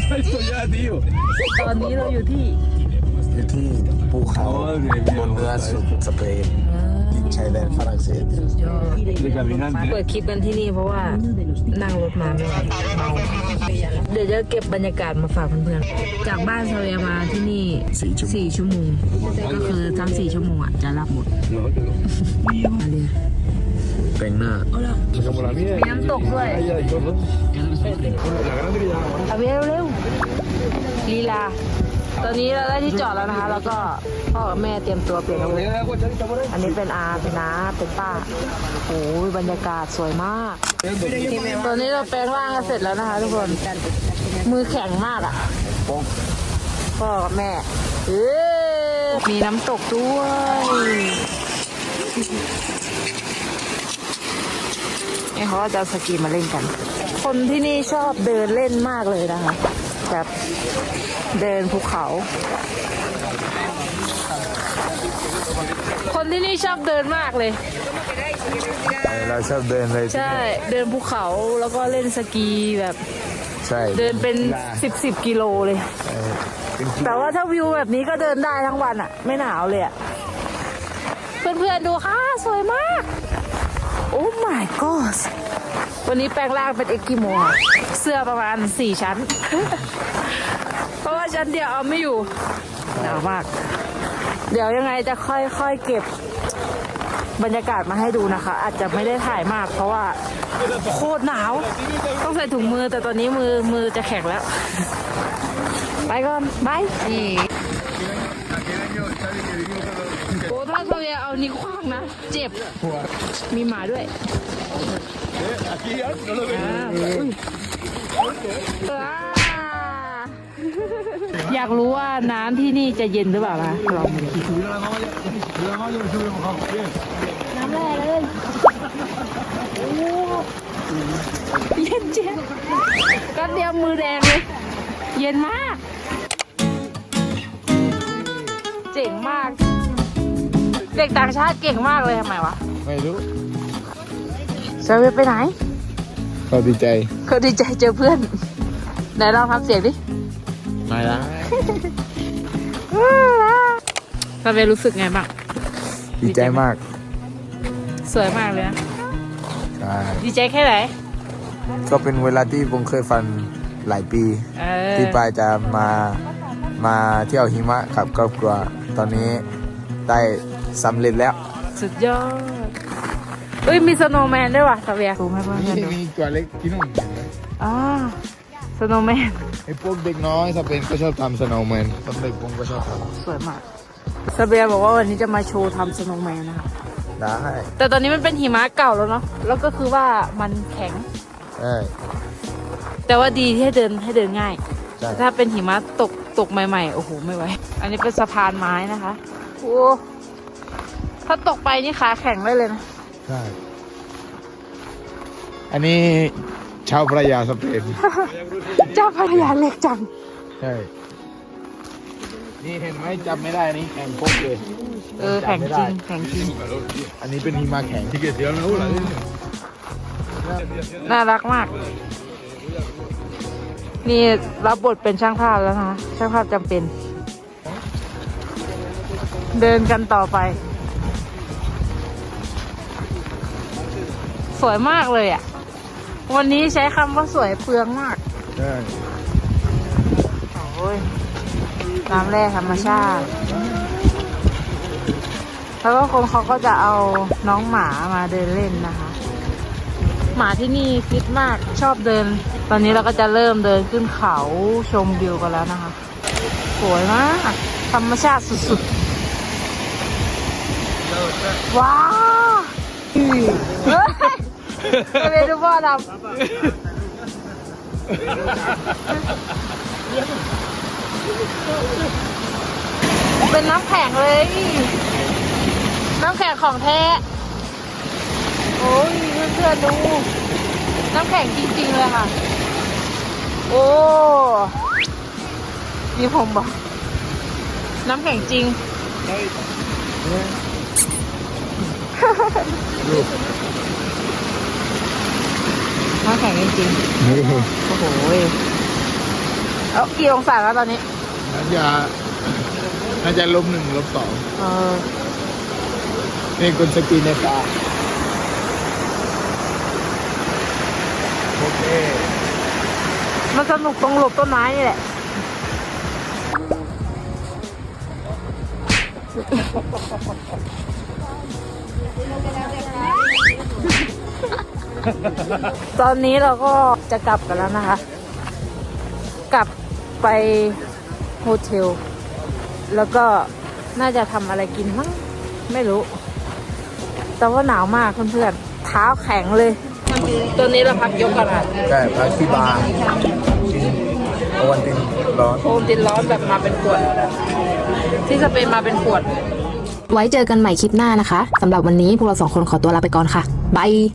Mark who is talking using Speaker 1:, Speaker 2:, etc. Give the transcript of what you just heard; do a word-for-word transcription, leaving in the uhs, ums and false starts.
Speaker 1: ตอนนี้เราอยู่ที่
Speaker 2: อยู่ที่ภูเขาบนเรือสุดสเปนติดชายแดนฝรั่งเศส
Speaker 1: เปิดคลิปกันที่นี่เพราะว่านั่งรถมาไม่ไหวเมาเดี๋ยวจะเก็บบรรยากาศมาฝากเพื่อนๆจากบ้านซาเวียมาที่นี่สี่ชั่วโมงก็คือทั้งสี่ชั่วโมงอ่ะจะรับหมดมาเลย
Speaker 2: แต่งหน้า
Speaker 1: มีน้ำตกด้วยเอาเร็วเร็วลีลาตอนนี้เราได้ที่จอดแล้วนะคะแล้วก็พ่อกับแม่เตรียมตัวเปลี่ยนอาวุธอันนี้เป็นอาเป็นน้าเป็นป้าโอ้ยบรรยากาศสวยมากตอนนี้เราแปลงร่างกันเสร็จแล้วนะคะทุกคนมือแข็งมากอ่ะพ่อกับแม่เอ้มีน้ำตกด้วยนี่เขาก็จะเอาสกีมาเล่นกันคนที่นี่ชอบเดินเล่นมากเลยนะคะแบบเดินภูเขา คนที่นี่ชอบเดินมากเลย
Speaker 2: เราชอบเดินเลย
Speaker 1: ใช่เดินภูเขาแล้วก็เล่นสกีแบบ
Speaker 2: ใช่
Speaker 1: เดินเป็นสิบสิบกิโลเลยแต่ว่าถ้าวิวแบบนี้ก็เดินได้ทั้งวันอ่ะไม่หนาวเลยอ่ะเพื่อนๆดูค่ะสวยมากโอ้ my god วันนี้แปลงร่างเป็นเอ็กกิโมเสื้อประมาณสี่ชั้น เพราะว่าชั้นเดียวเอาไม่อยู่หนาวมากเดี๋ยวยังไงจะค่อยๆเก็บบรรยากาศมาให้ดูนะคะอาจจะไม่ได้ถ่ายมากเพราะว่าโคตรหนาวต้องใส่ถุงมือแต่ตอนนี้มือมือจะแข็งแล้วไปก่อนบายนี่โอ้ถ้าเราจะเอานิ้วคว้างนะเจ็บมีหมาด้วยอยากรู้ว่าน้ำที่นี่จะเย็นหรือเปล่าคะลองดูน้ำแร่เลยโอ้เย็นเจ็บก็เดียวมือแดงเลยเย็นมากเจ๋งมากเด็กต่างชาติเก่งมากเลยทำไมวะ
Speaker 2: ไม่รู้
Speaker 1: เซเว่นไปไหน
Speaker 2: เขาดีใจ
Speaker 1: เขาดีใจเจอเพื่อนไหนลองทำเสียงดิ
Speaker 2: ไม่ละ
Speaker 1: เซเว่นรู้สึกไงบ้าง
Speaker 2: ดีใจมาก
Speaker 1: สวยมากเลยนะ
Speaker 2: ใช่
Speaker 1: ดีใจแค่ไหน
Speaker 2: ก็เป็นเวลาที่ผมเคยฝันหลายปีที่ปายจะมามาเที่ยวหิมะกับครอบครัวตอนนี้ได้สำเร็จแล้ว
Speaker 1: สุดยอดเอ้ยมีสโนว์แมนด้วยว่ะสเวียสูงให้เพื่อนดู
Speaker 2: มีตัวเล็กที่นู่น
Speaker 1: อ๋อสโนว์แมน
Speaker 2: ไอ้พวกเด็กน้อยสเปนก็ชอบทำสโนว์แมนตอนเด็กผมก็ชอบทำ
Speaker 1: สวยมากสเวียบอกว่าวันนี้จะมาโชว์ทำสโนว์แมนนะคะ
Speaker 2: ได้
Speaker 1: แต่ตอนนี้มันเป็นหิมะเก่าแล้วเนาะแล้วก็คือว่ามันแข็ง
Speaker 2: ใช่
Speaker 1: แต่ว่าดีที่ให้เดินให้เดินง่ายถ้าเป็นหิมะตกตกใหม่ๆโอ้โหไม่ไหวอันนี้เป็นสะพานไม้นะคะโอ้ถ้าตกไปนี่ขาแข็งได้เลยนะ
Speaker 2: ใช่อันนี้ชาวพระยาสเปน
Speaker 1: เจ้าพระยาเล็กจัง
Speaker 2: ใช่นี่เห็นไหมจับไม่ได้นี่แข็งปุ๊บเลย
Speaker 1: เออแข็งจริงแข็งจริง
Speaker 2: อันนี้เป็นหิมะแข็งที่เกิดเดียวนะ
Speaker 1: น่ารักมากนี่รับบทเป็นช่างภาพแล้วนะช่างภาพจำเป็นเดินกันต่อไปสวยมากเลยอ่ะวันนี้ใช้คำว่าสวยเปลืองมาก
Speaker 2: ใช่
Speaker 1: โอ้ยน้ำแร่ธรรมชาติแล้วก็คนเขาก็จะเอาน้องหมามาเดินเล่นนะคะหมาที่นี่ฟิตมากชอบเดินตอนนี้เราก็จะเริ่มเดินขึ้นเขาชมวิวกันแล้วนะคะสวยมากธรรมชาติสุดๆว้าวเฮ้ยไปเป็นดูพ่อทำเป็นน้ำแข็งเลยน้ำแข็งของแท้โอ้ยเพื่อนๆดูน้ำแข็งจริงๆเลยค่ะโอ้มีผมบอกน้ำแข็งจริงน้ำแข็งจริงๆโอ้โหเอากี่องศาแล้วตอนนี้
Speaker 2: น่าจะน่าจะลบหนึ่งลบสอง
Speaker 1: เออ
Speaker 2: นี่คุณสกีในป่าโอเค
Speaker 1: มันสนุกตรงหลบต้นไม้นี่แหละ ตอนนี้เราก็จะกลับกันแล้วนะคะ กลับไปโฮเทล แล้วก็น่าจะทำอะไรกินมั้งไม่รู้ แต่ว่าหนาวมากเพื่อนๆเท้าแข็งเลย ตัวนี้เราพักยกกันอ่ะ
Speaker 2: ใช่พักที่บาร์กินโอวันตินร้อน
Speaker 1: โอมตินร้อนแบบมาเป็นขวด ที่สเปนมาเป็นขวด
Speaker 3: ไว้เจอกันใหม่คลิปหน้านะคะ สำหรับวันนี้พวกเราสองคนขอตัวลาไปก่อนค่ะ บาย